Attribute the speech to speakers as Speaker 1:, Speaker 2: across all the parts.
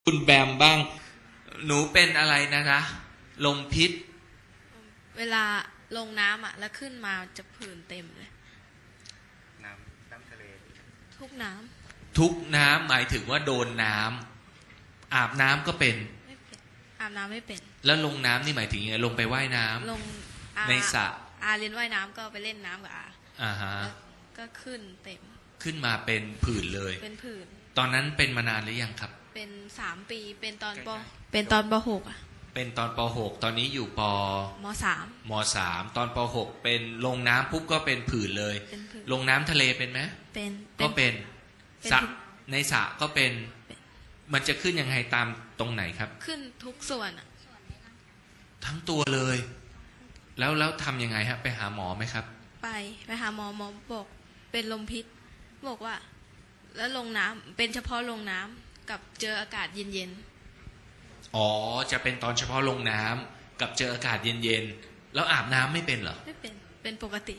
Speaker 1: คุณแบมบ้างหนูเป็นอะไรนะลมพิษ
Speaker 2: เวลาลงน้ำแล้วขึ้นมาจะผื่นเต็มเลย
Speaker 3: น้ำทะเล
Speaker 2: ทุกน้
Speaker 1: ทุกน้ำหมายถึงว่าโดนน้ำอาบน้ำก็เป็น
Speaker 2: ไม่เป็นอาบน้ำไม่เป็น
Speaker 1: แล้วลงน้ำนี่หมายถึงยังไงลงไปว่ายน้ำ
Speaker 2: ลง
Speaker 1: ในสระ
Speaker 2: เรียนว่ายน้ำก็ไปเล่นน้ำกับ
Speaker 1: ฮะ
Speaker 2: ก็ขึ้นเต็ม
Speaker 1: ขึ้นมาเป็นผื่นเลย
Speaker 2: เป็นผื่น
Speaker 1: ตอนนั้นเป็นมานานหรือยังครับ
Speaker 2: เป็น3 ปีเป็นตอนป.6
Speaker 1: เป็นตอนป.6 ตอนนี้อยู่ป.ม.3 ตอนป.6 เป็นลงน้ำปุ๊บก็เป็นผื่นเลยลงน้ำทะเลเป็นไหม
Speaker 2: เป็น
Speaker 1: ก็เป็นสระในสระก็เป็นมันจะขึ้นยังไงตามตรงไหนครับ
Speaker 2: ขึ้นทุกส่วน
Speaker 1: ทั้งตัวเลยแล้วทำยังไงฮะไปหาหมอไหมครับ
Speaker 2: ไปหาหมอบอกเป็นลมพิษบอกว่าแล้วลงน้ำเป็นเฉพาะลงน้ำกับเจออากาศเย็น
Speaker 1: ๆอ๋อจะเป็นตอนเฉพาะลงน้ำกับเจออากาศเย็นๆแล้วอาบน้ำไม่เป็นเหรอ
Speaker 2: ไม่เป็นปกติ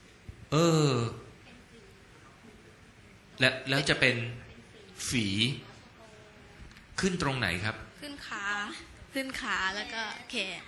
Speaker 1: แล้วจะเป็นฝีขึ้นตรงไหนครับ
Speaker 2: ขึ้นขาแล้วก็แขน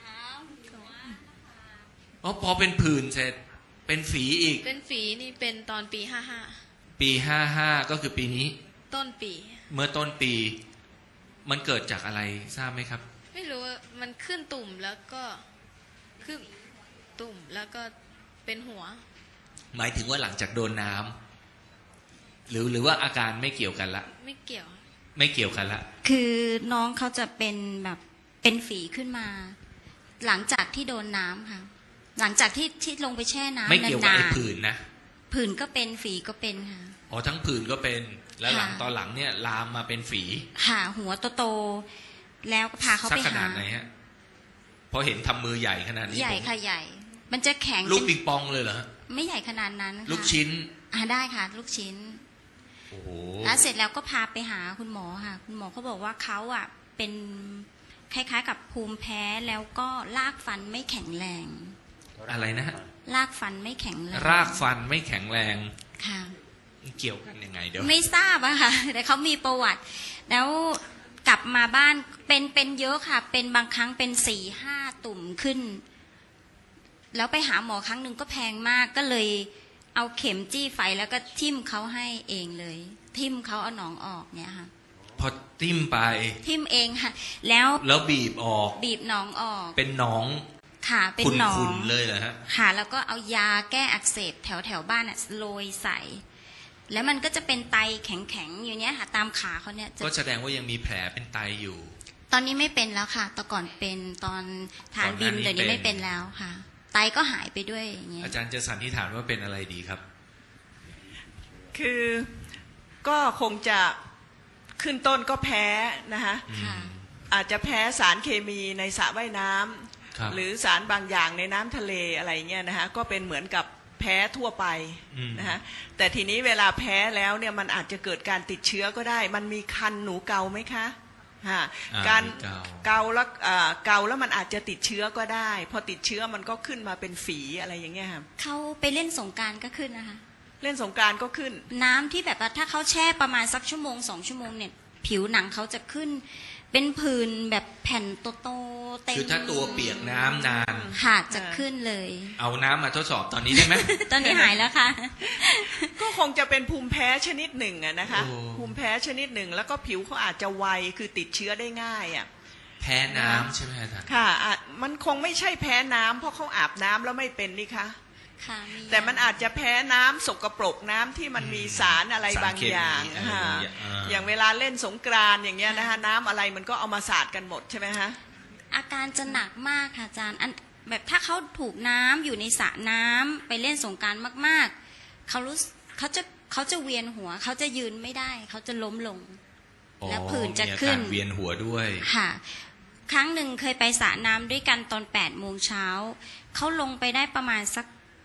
Speaker 1: อ๋อพอเป็นผื่นเสร็จเป็นฝีอีก
Speaker 2: เป็นฝีนี่เป็นตอนปี55
Speaker 1: ปี55ก็คือปีนี้
Speaker 2: ต้นปี
Speaker 1: เมื่อต้นปีมันเกิดจากอะไรทราบไหมครับ
Speaker 2: ไม่รู้มันขึ้นตุ่มแล้วก็ขึ้นตุ่มแล้วก็เป็นหัว
Speaker 1: หมายถึงว่าหลังจากโดนน้ำหรือว่าอาการไม่เกี่ยวกันละ
Speaker 2: ไม่เกี่ยว
Speaker 1: กันละ
Speaker 4: คือน้องเขาจะเป็นแบบเป็นฝีขึ้นมาหลังจากที่โดนน้ำค่ะหลังจากที่ลงไปแช่น้ำ
Speaker 1: ไม่เกี่ยวกับไอ้ผื่นนะ
Speaker 4: ผื่นก็เป็นฝีก็เป็นค่ะ
Speaker 1: อ๋อทั้งผื่นก็เป็นแล้วหลังตอนหลังเนี่ยลามมาเป็นฝี
Speaker 4: ค่ะหัวโตๆแล้วก็พาเขาไปหา
Speaker 1: ขนาดไหนฮะพอเห็นทำมือใหญ่ขนาดนี้
Speaker 4: ใหญ่ค่ะใหญ่มันจะแข็ง
Speaker 1: ลูกปิงปองเลยเหรอ
Speaker 4: ไม่ใหญ่ขนาดนั้น
Speaker 1: ลูกชิ้น
Speaker 4: ได้ค่ะลูกชิ้น
Speaker 1: โอ้โห
Speaker 4: แล้วเสร็จแล้วก็พาไปหาคุณหมอค่ะคุณหมอเขาบอกว่าเขาเป็นคล้ายๆกับภูมิแพ้แล้วก็รากฟันไม่แข็งแรง
Speaker 1: อะไรนะ
Speaker 4: รากฟันไม่แข็งแรง
Speaker 1: รากฟันไม่แข็งแรง
Speaker 4: ค่ะ
Speaker 1: เกี่ยวกันยังไงเดี๋ยว
Speaker 4: ไม่ทราบอะค่ะแต่เขามีประวัติแล้วกลับมาบ้านเป็นเยอะค่ะเป็นบางครั้งเป็น4-5 ตุ่มขึ้นแล้วไปหาหมอครั้งหนึ่งก็แพงมากก็เลยเอาเข็มจี้ไฟแล้วก็ทิ่มเขาให้เองเลยทิ่มเขาเอาหนองออกเนี่ยค่ะ
Speaker 1: พอทิ่มไป
Speaker 4: ทิ่มเองค่ะแล้ว
Speaker 1: บีบออก
Speaker 4: บีบหนองออก
Speaker 1: เป็นหนอง
Speaker 4: ค่ะเป็นหนอง
Speaker 1: ขุ่นเลยเหรอฮะ
Speaker 4: ค่ะแล้วก็เอายาแก้อักเสบแถวบ้านโรยใส่แล้วมันก็จะเป็นไตแข็งๆอยู่เนี้ยค่ะตามขาเขาเนี่ย
Speaker 1: ก็แสดงว่ายังมีแผลเป็นไตอยู่
Speaker 4: ตอนนี้ไม่เป็นแล้วค่ะแต่ก่อนเป็นตอนทานบิมเดี๋ยวนี้ไม่เป็นแล้วค่ะไตก็หายไปด้วยอย่างเงี้ย
Speaker 1: อาจารย์จะสันนิษฐานว่าเป็นอะไรดีครับ
Speaker 5: คือก็คงจะขึ้นต้นก็แพ้นะคะอาจจะแพ้สารเคมีในสระว่ายน้ำหรือสารบางอย่างในน้ำทะเลอะไรเงี้ยนะคะก็เป็นเหมือนกับแพ้ทั่วไปนะคะแต่ทีนี้เวลาแพ้แล้วเนี่ยมันอาจจะเกิดการติดเชื้อก็ได้มันมีคันหนูเกาไหมคะการเกาแล้วมันอาจจะติดเชื้อก็ได้พอติดเชื้อมันก็ขึ้นมาเป็นฝีอะไรอย่างเงี้ยค่ะ
Speaker 4: เขาไปเล่นสงกรานต์ก็ขึ้นนะคะ
Speaker 5: เล่นสงกรานต์ก็ขึ้น
Speaker 4: น้ำที่แบบว่าถ้าเขาแช่ประมาณสัก1-2 ชั่วโมงเนี่ยผิวหนังเขาจะขึ้นเป็นผื่นแบบแผ่นโตๆเต็ม
Speaker 1: คือถ้าตัวเปียกน้ำนาน
Speaker 4: ค่ะจะขึ้นเลย
Speaker 1: เอาน้ำมาทดสอบตอนนี้ได้ไหม
Speaker 4: ตอนนี้หายแล้วค่ะ
Speaker 5: ก็คงจะเป็นภูมิแพ้ชนิดหนึ่งอะนะคะภูมิแพ้ชนิดหนึ่งแล้วก็ผิวเขาอาจจะไวคือติดเชื้อได้ง่ายอะ
Speaker 1: แพ้น้ำใช่ไหมอาจารย์
Speaker 5: ค่ะมันคงไม่ใช่แพ้น้ำเพราะเขาอาบน้ำแล้วไม่เป็นนี่คะแต่มันอาจจะแพ้น้ำสกปรกน้ำที่มันมีสารอะไรบางอย่างอย่างเวลาเล่นสงกรานต์อย่างเงี้ยนะคะน้ำอะไรมันก็เอามาสาดกันหมดใช่ไหมฮะ
Speaker 4: อาการจะหนักมากค่ะอาจารย์แบบถ้าเขาถูกน้ำอยู่ในสระน้ำไปเล่นสงกรานต์มากๆเขาจะเวียนหัวเขาจะยืนไม่ได้เขาจะล้มลงแล้วผื่นจะขึ้น
Speaker 1: เวียนหัวด้วย
Speaker 4: ค่ะครั้งหนึ่งเคยไปสระน้ำด้วยกันตอน8 โมงเช้าเขาลงไปได้ประมาณสัก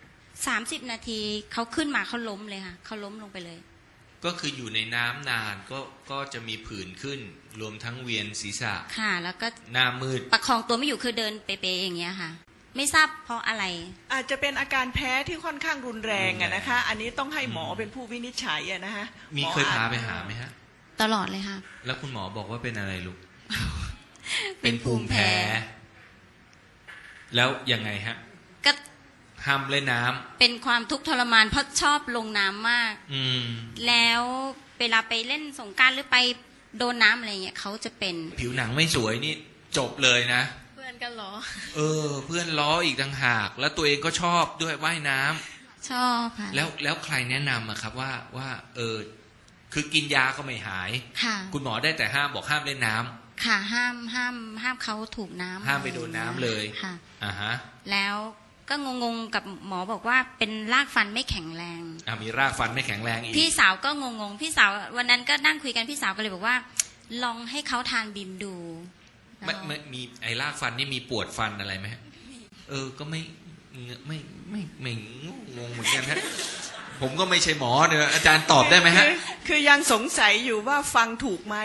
Speaker 4: 30 นาทีเขาขึ้นมาเขาล้มเลยค่ะเขาล้มลงไปเลย
Speaker 1: ก็คืออยู่ในน้ำนานก็จะมีผื่นขึ้นรวมทั้งเวียนศีรษะ
Speaker 4: ค่ะแล้วก็
Speaker 1: หน้ามืด
Speaker 4: ประคองตัวไม่อยู่คือเดินเป๊ะๆอย่างเงี้ยค่ะไม่ทราบเพราะอะไร
Speaker 5: อาจจะเป็นอาการแพ้ที่ค่อนข้างรุนแรงอะนะคะอันนี้ต้องให้หมอเป็นผู้วินิจฉัยอะนะคะ
Speaker 1: มีเคยพาไปหาไหมฮะ
Speaker 4: ตลอดเลยค่ะ
Speaker 1: แล้วคุณหมอบอกว่าเป็นอะไรลูก
Speaker 4: เป็นภูมิแพ้
Speaker 1: แล้วยังไงฮะ
Speaker 4: ก็
Speaker 1: ห้ามเล่นน้ำ
Speaker 4: เป็นความทุกข์ทรมานเพราะชอบลงน้ำมาก
Speaker 1: อืม
Speaker 4: แล้วเวลาไปเล่นสงกรานต์หรือไปโดนน้ำอะไรเงี้ยเขาจะเป็น
Speaker 1: ผิวหนังไม่สวยนี่จบเลยนะ
Speaker 2: เพื่อนกันเหรอ
Speaker 1: เพื่อนล้ออีกต่างหาก แล้วตัวเองก็ชอบด้วยว่ายน้ำ
Speaker 4: ชอบค่ะ
Speaker 1: แล้วใครแนะนำอะครับว่าคือกินยาก็ไม่หาย
Speaker 4: ค่ะ
Speaker 1: คุณหมอได้แต่ห้ามบอกห้ามเล่นน้ำ
Speaker 4: ค่ะห้ามเขาถูกน้ำ
Speaker 1: ห้ามไปโดนน้ำเลย
Speaker 4: ค่ะ
Speaker 1: อ่าฮะ
Speaker 4: แล้วก็งงๆกับหมอบอกว่าเป็นรากฟันไม่แข็งแรง
Speaker 1: มีรากฟันไม่แข็งแรงอีก
Speaker 4: พี่สาวก็งงๆพี่สาววันนั้นก็นั่งคุยกันพี่สาวก็เลยบอกว่า ลองให้เขาทานบิมดู
Speaker 1: ไม่มีไอ้รากฟันนี่มีปวดฟันอะไรไหมฮะก็ไม่งงเหมือนกันฮะ ผมก็ไม่ใช่หมอเดี๋ยวอาจารย์ตอบได้ไหมฮะ
Speaker 5: คือยังสงสัยอยู่ว่าฟังถูกไหม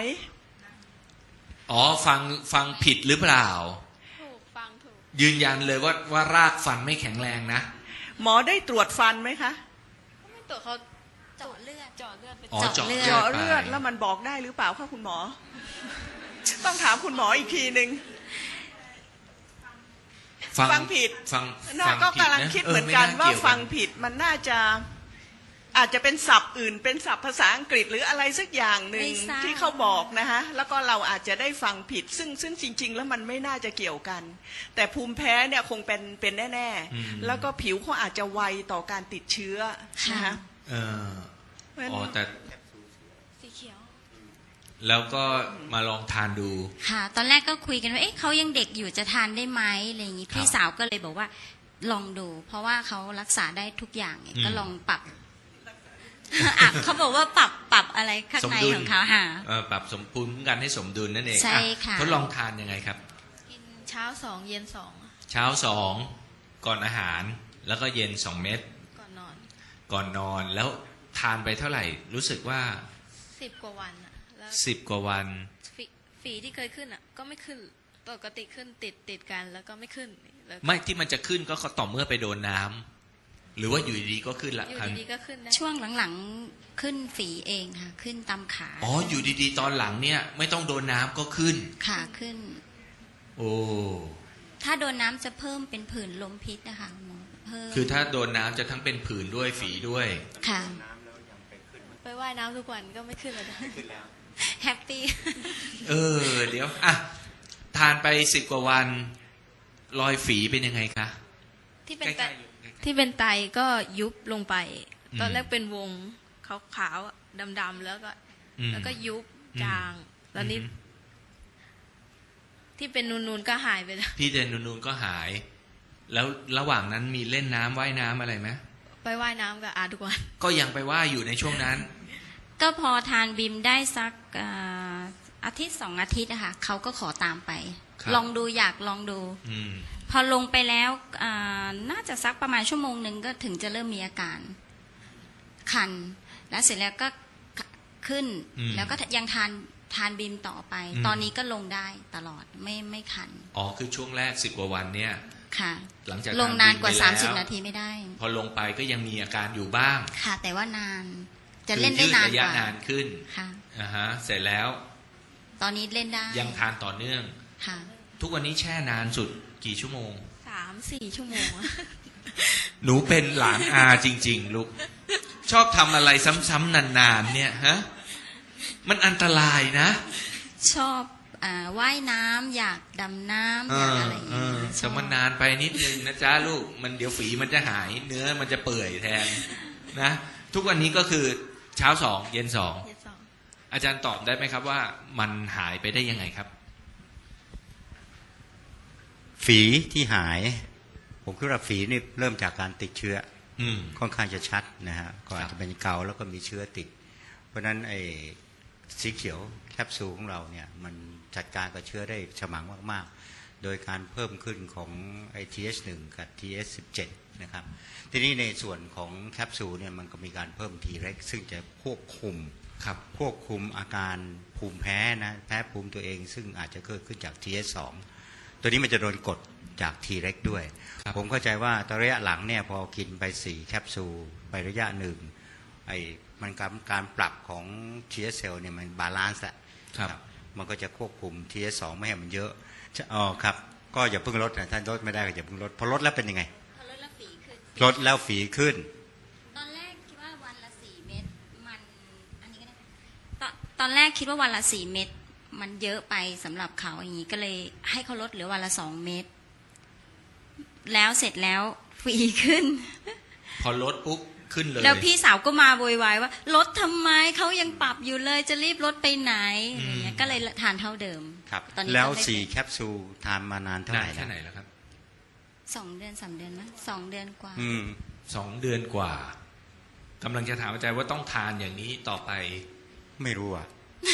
Speaker 1: ฟังผิดหรือเปล่า
Speaker 2: ถูกฟังถูก
Speaker 1: ยืนยันเลยว่ารากฟันไม่แข็งแรงนะ
Speaker 5: หมอได้ตรวจฟันไหมคะ
Speaker 2: ก็ไม่ตรวจเขา
Speaker 4: เจาะเลือด
Speaker 2: เจาะเลือดไป
Speaker 1: อ๋อเจาะเลือด
Speaker 5: เจาะเลือดแล้วมันบอกได้หรือเปล่าคะคุณหมอ ต้องถามคุณหมออีกทีหนึ่ง ฟังผิด
Speaker 1: ฟัง
Speaker 5: ก็
Speaker 1: ผิด
Speaker 5: กำลัง
Speaker 1: นะ
Speaker 5: คิดเหมือนกันว่า
Speaker 1: ไกี่ย
Speaker 5: ฟังผิดมันน่าจะอาจจะเป็นศัพท์อื่น เป็นศัพท์ภาษาอังกฤษหรืออะไรสักอย่างหนึ่ง
Speaker 4: ไม่ทราบ
Speaker 5: ที่เขาบอกนะคะแล้วก็เราอาจจะได้ฟังผิดซึ่งจริง ๆ แล้วมันไม่น่าจะเกี่ยวกัน แต่ภูมิแพ้เนี่ยคงเป็นแน่ๆแล้วก็ผิวเขาอาจจะไวต่อการติดเชื้อนะคะ
Speaker 1: แต่
Speaker 2: สีเขียว
Speaker 1: แล้วก็มาลองทานดู
Speaker 4: ค่ะ ตอนแรกก็คุยกันว่าเอ๊ะเขายังเด็กอยู่จะทานได้ไหมอะไรอย่างงี้
Speaker 1: ครับ
Speaker 4: พี่สาวก็เลยบอกว่าลองดู เพราะว่าเขารักษาได้ทุกอย่างไงก็ลองปรับ เขาบอกว่าปรับอะไรข้างในของเขาค่ะ
Speaker 1: ปรับสมภูมิคุ้มกันให้สมดุลนั่นเอง
Speaker 4: ใช่ค่ะ
Speaker 1: ทดลองทานยังไงครับ
Speaker 2: กินเช้า2เย็น2
Speaker 1: เช้า2ก่อนอาหาร แล้วก็เย็น2 เม็ด
Speaker 2: ก่อนนอน
Speaker 1: ก่อนนอนแล้วทานไปเท่าไหร่ รู้สึกว่า
Speaker 2: 10 กว่าวันอะแล้ว
Speaker 1: 10 กว่าวัน
Speaker 2: ฝีที่เคยขึ้นอะก็ไม่ขึ้นปกติขึ้นติดกันแล้วก็ไม่ขึ้นแล้ว
Speaker 1: ไม่ที่มันจะขึ้นก็ต่อเมื่อไปโดนน้ำหรือว่าอยู่ดีๆก็ขึ้นละ
Speaker 2: อยู่ดีๆก็ขึ้นได้
Speaker 4: ช่วงหลังๆขึ้นฝีเองค่ะ ขึ้นตามขา
Speaker 1: อยู่ดีๆตอนหลังเนี่ยไม่ต้องโดนน้ำก็ขึ้น
Speaker 4: ขาขึ้น
Speaker 1: โอ้
Speaker 4: ถ้าโดนน้ำจะเพิ่มเป็นผื่นลมพิษนะคะหมอเพิ่ม
Speaker 1: คือถ้าโดนน้ำจะทั้งเป็นผื่นด้วยฝีด้วย
Speaker 4: ค่ะ
Speaker 2: ไปว่ายน้ำทุกวันก็ไม่ขึ้นเลยนะ
Speaker 4: แฮปปี้
Speaker 1: เดี๋ยวทานไป10 กว่าวันรอยฝีเป็นยังไงคะ
Speaker 2: ที่เป็น
Speaker 1: ใก
Speaker 2: ไต
Speaker 1: ล้ๆอยู่ใกล้ๆ
Speaker 2: ที่เป็นไตก็ยุบลงไป
Speaker 1: อืม
Speaker 2: ตอนแรกเป็นวงขาวๆอะดำๆแล้วก็ยุบจางแล้วนี่ที่เป็นนูนๆก็หายไปแล้ว
Speaker 1: ที่เดนนูนๆก็หาย แล้วระหว่างนั้นมีเล่นน้ำว่ายน้ำอะไรไหม
Speaker 2: ไปว่ายน้ำกับอาทุกวัน
Speaker 1: ก็ยังไปว่ายอยู่ในช่วงนั้น
Speaker 4: ก็พอทานบิมได้สักอาทิตย์2 อาทิตย์อะค่ะเขาก็ขอตามไป
Speaker 1: ครับ
Speaker 4: ลองดูอยากลองดู
Speaker 1: อืม
Speaker 4: พอลงไปแล้วน่าจะสักประมาณ1 ชั่วโมงก็ถึงจะเริ่มมีอาการคัน แล้วเสร็จแล้วก็ขึ้น แล้วก็ยังทานบิมต่อไป ตอนนี้ก็ลงได้ตลอดไม่คัน
Speaker 1: คือช่วงแรก10 กว่าวันเนี่ย
Speaker 4: ค่ะ
Speaker 1: หลังจาก
Speaker 4: ลงนานกว่า
Speaker 1: ทบิมไปแล้ว
Speaker 4: 30 นาทีไม่ได้
Speaker 1: พอลงไปก็ยังมีอาการอยู่บ้าง
Speaker 4: ค่ะ แต่ว่านานจะเล่นได้นาน
Speaker 1: คือยืดระ
Speaker 4: ก
Speaker 1: ยะ
Speaker 4: ว่า
Speaker 1: นานขึ้น
Speaker 4: ค่ะ
Speaker 1: เสร็จแล้ว
Speaker 4: ตอนนี้เล่นได้
Speaker 1: ยังทานต่อเนื่อง
Speaker 4: ค่ะ
Speaker 1: ทุกวันนี้แช่นานสุดกี่ชั่วโมง
Speaker 2: 3-4 ชั่วโมงอะ
Speaker 1: หนูเป็นหลานอาจริง ๆ ลูก ชอบทำอะไรซ้ำๆนานๆเนี่ยฮะ มันอันตรายนะ
Speaker 4: ชอบว่ายน้ำอยากดำน้ำอยากอะไรอย่างเงี้ยช
Speaker 1: แต่
Speaker 4: อบ
Speaker 1: มันนานไปนิดนึงนะจ๊ะลูก มันเดี๋ยวฝีมันจะหาย เนื้อมันจะเปื่อยแทนนะ ทุกวันนี้ก็คือเช้า2 เย็น
Speaker 2: เย็นสอง
Speaker 1: 2 อาจารย์ตอบได้ไหมครับว่ามันหายไปได้ยังไงครับ
Speaker 3: ฝีที่หาย ผมคิดว่าฝีนี่เริ่มจากการติดเชื้อ ค่อนข้างจะชัดนะฮะก็อาจจะเป็นเกาแล้วก็มีเชื้อติด เพราะฉะนั้นไอ้สีเขียวแคปซูลของเราเนี่ยมันจัดการกับเชื้อได้ฉมังมากๆ โดยการเพิ่มขึ้นของไอ้ TH1 กับ TH17 นะครับทีนี้ในส่วนของแคปซูลเนี่ยมันก็มีการเพิ่ม T-REX ซึ่งจะควบคุมอาการภูมิแพ้นะแพ้ภูมิตัวเองซึ่งอาจจะเกิดขึ้นจาก TH2 ตัวนี้มันจะโดนกดจาก T-REX ด้วย ผมเข้าใจว่าตอนระยะหลังเนี่ยพอกินไป4 แคปซูลไประยะหนึ่งมันการปรับของ TS เซลล์เนี่ยมันบาลานซ์แหละ
Speaker 1: ครับ
Speaker 3: มันก็จะควบคุม TS2 ไม่ให้มันเยอะอ๋อครับก็อย่าเพิ่งลดนะท่านลดไม่ได้ก็อย่าเพิ่งลดพอลดแล้วเป็นยังไง
Speaker 4: พอลดแล้วฝีขึ้น
Speaker 3: ลดแล้วฝีขึ้น
Speaker 4: ตอนแรกคิดว่าวันละ4 เม็ดมันอันนี้ก็ได้ตอนแรกคิดว่าวันละ4 เม็ดมันเยอะไปสำหรับเขาอย่างนี้ก็เลยให้เขาลดเหลือวันละ2 เม็ดแล้วเสร็จแล้วฝีขึ้น
Speaker 1: พอลดปุ๊บขึ้นเลย
Speaker 4: แล้วพี่สาวก็มาโวยวายว่าลดทำไมเขายังปรับอยู่เลยจะรีบลดไปไหนอะไรเงี้ยก็เลยทานเท่าเดิม
Speaker 3: ครับ
Speaker 4: ตอนนี้
Speaker 3: แล้ว
Speaker 4: ก็ได้
Speaker 3: 4 แคปซูลทานมานานเท่าไห
Speaker 1: นาน
Speaker 3: ร่
Speaker 1: แค่
Speaker 3: แล้ว
Speaker 1: ไหนแล้วครับ
Speaker 4: 2 เดือน 3 เดือนมั้ย2 เดือนกว่า
Speaker 1: 2 เดือนกว่ากำลังจะถามอาจารย์ว่าต้องทานอย่างนี้ต่อไป
Speaker 3: ไม่รู้อ่ะ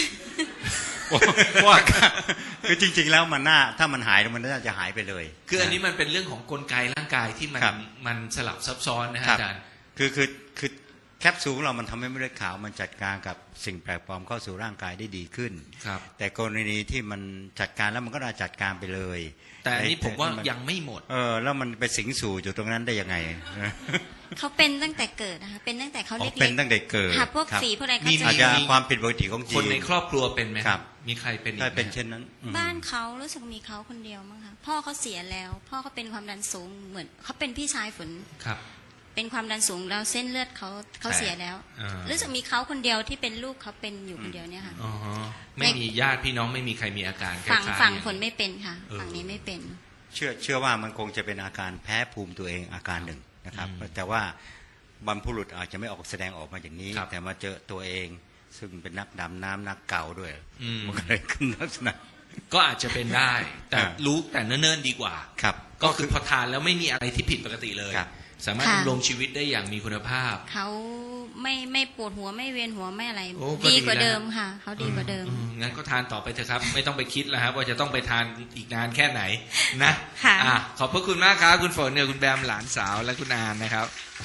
Speaker 3: ว่าคือจริงๆแล้วมันถ้ามันหายมันน่าจะหายไปเลย
Speaker 1: คืออันนี้มันเป็นเรื่องของกลไกร่างกายที่มัน
Speaker 3: ครับ
Speaker 1: มันสลับซับซ้อนนะฮะ
Speaker 3: ครับ
Speaker 1: อาจารย์
Speaker 3: คือแคปซูลของเรามันทำให้เม็ดเลือดขาวมันจัดการกับสิ่งแปลกปลอมเข้าสู่ร่างกายได้ดีขึ้น
Speaker 1: ครับ
Speaker 3: แต่กรณีที่มันจัดการแล้วมันก็น่าจัดการไปเลย
Speaker 1: แต่อันนี้ผมว่ายังไม่หมด
Speaker 3: แล้วมันไปสิงสู่อยู่ตรงนั้นได้ยังไง
Speaker 4: เขาเป็นตั้งแต่เกิดนะคะเป็นตั้งแต่เขา
Speaker 3: อ๋อ
Speaker 4: เล็กๆ
Speaker 3: เป็นตั้งแต่เกิด
Speaker 4: ค่ะพวก
Speaker 3: ครับ
Speaker 4: ฝีพวกอะไรเขา
Speaker 1: มี
Speaker 4: จะ
Speaker 3: อาจจะความผิดปกติของจี
Speaker 1: คนในครอบครัวเป็นไหม
Speaker 3: ครับ
Speaker 1: มีใครเป็นอีก
Speaker 3: ถ้า
Speaker 1: ไหม
Speaker 3: เป็นเช่นนั้นอืม
Speaker 4: บ้านเขารู้สึกมีเขาคนเดียวมั้งคะพ่อเขาเสียแล้ว พ่อเขาเป็นความดันสูงเหมือนเขาเป็นพี่ชายฝน
Speaker 1: ครับ
Speaker 4: เป็นความดันสูงแล้วเส้นเลือดเขาเสียแล้ว
Speaker 1: อ่ารู้
Speaker 4: รู้สึกมีเขาคนเดียวที่เป็นลูกเขาเป็นอยู่คนเดียวเนี่ยค่ะ
Speaker 1: อ๋อฮะไม่มีญาติพี่น้องไม่มีใครมีอาการคล้ายๆ
Speaker 4: ฝั่ง
Speaker 1: อย่าง
Speaker 4: ฝนไม่เป็นค่ะ
Speaker 1: เออ
Speaker 4: ฝั่งนี้ไม่เป็น
Speaker 3: เชื่อว่ามันคงจะเป็นอาการแพ้ภูมิตัวเองอาการหนึ่งนะครับ แต่ว่าบรรพบุรุษอาจจะไม่ออกแสดงออกมาอย่างนี้
Speaker 1: ครับ
Speaker 3: แต่มาเจอตัวเอง ซึ่งเป็นนักดำน้ำนักเก่าด้วย
Speaker 1: อืม
Speaker 3: มันก็เลยขึ้นลักษณะ
Speaker 1: ก็อาจจะเป็นได้ แต่
Speaker 3: อ่า
Speaker 1: รู้แต่เนิ่นๆดีกว่า
Speaker 3: ครับ
Speaker 1: ก็คือพอทานแล้วไม่มีอะไรที่ผิดปกติเลย
Speaker 3: ครับ
Speaker 1: สามารถ
Speaker 4: ค่ะ
Speaker 1: ดำรงชีวิตได้อย่างมีคุณภาพ
Speaker 4: เขาไม่ปวดหัวไม่เวียนหัวไม่อะไร
Speaker 1: โอ้ก็ดี
Speaker 4: ดีกว่า
Speaker 1: แล้ว
Speaker 4: เดิมค่ะเขาดีกว่าเดิม
Speaker 1: งั้นก็ทานต่อไปเถอะครับ ไม่ต้องไปคิดแล้วครับว่าจะต้องไปทานอีกนานแค่ไหนนะ
Speaker 4: ค่ะ
Speaker 1: ขอบพระคุณมากครับคุณฝนเนี่ยคุณแบมหลานสาวและคุณอานนะครับ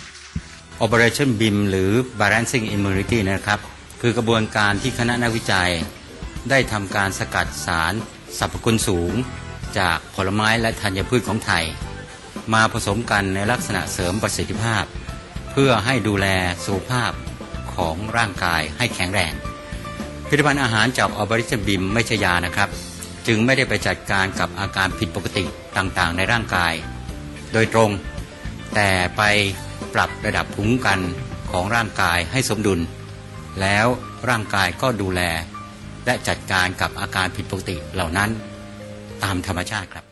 Speaker 3: Operation BIM หรือ Balancing Immunity นะครับคือกระบวนการที่คณะนักวิจัย ได้ทำการสกัดสารสรรพคุณสูง จากผลไม้และธัญพืชของไทย มาผสมกันในลักษณะเสริมประสิทธิภาพ เพื่อให้ดูแลสุขภาพของร่างกายให้แข็งแรงผลิตภัณฑ์อาหารจาก Operation BIM ไม่ใช่ยานะครับ จึงไม่ได้ไปจัดการกับอาการผิดปกติต่างๆ ในร่างกาย โดยตรง แต่ไปปรับระดับภูมิคุ้มกันของร่างกายให้สมดุล แล้วร่างกายก็ดูแล และจัดการกับอาการผิดปกติเหล่านั้นตามธรรมชาติครับ